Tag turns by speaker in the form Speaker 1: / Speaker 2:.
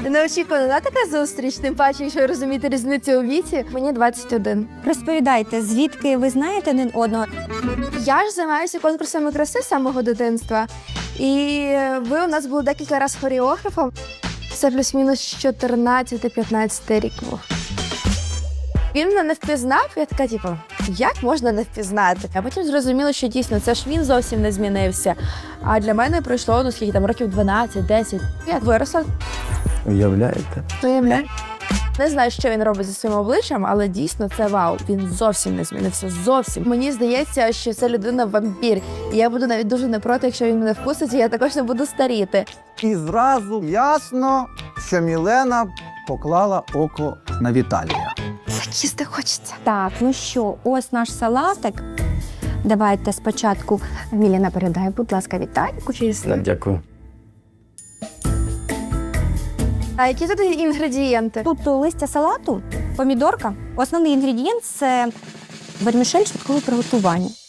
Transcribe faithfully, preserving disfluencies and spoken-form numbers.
Speaker 1: Неочікувана така зустріч, тим паче, якщо розуміти різницю у віці. Мені двадцять один.
Speaker 2: Розповідайте, звідки ви знаєте один одного?
Speaker 1: Я ж займаюся конкурсами краси з самого дитинства. І ви у нас були декілька разів хореографом. Це плюс-мінус чотирнадцятий-п'ятнадцятий рік був. Він мене не впізнав, я така, типу, як можна не впізнати? А потім зрозуміло, що дійсно, це ж він зовсім не змінився. А для мене пройшло, ну скільки там, років дванадцять-десять. Я виросла.
Speaker 3: Уявляєте?
Speaker 1: Уявляю. Не знаю, що він робить зі своїм обличчям, але дійсно це вау. Він зовсім не змінився, зовсім. Мені здається, що це людина-вампір. І я буду навіть дуже не проти, якщо він мене вкусить, і я також не буду старіти.
Speaker 4: І зразу ясно, що Мілена поклала око на Віталія.
Speaker 1: Так їсти хочеться.
Speaker 2: Так, ну що, ось наш салатик. Давайте спочатку, Міліна, передай, будь ласка, Віталіку.
Speaker 3: Так, дякую.
Speaker 1: А які тут інгредієнти?
Speaker 2: Тут листя салату, помідорка. Основний інгредієнт – це вермішель швидкого приготування.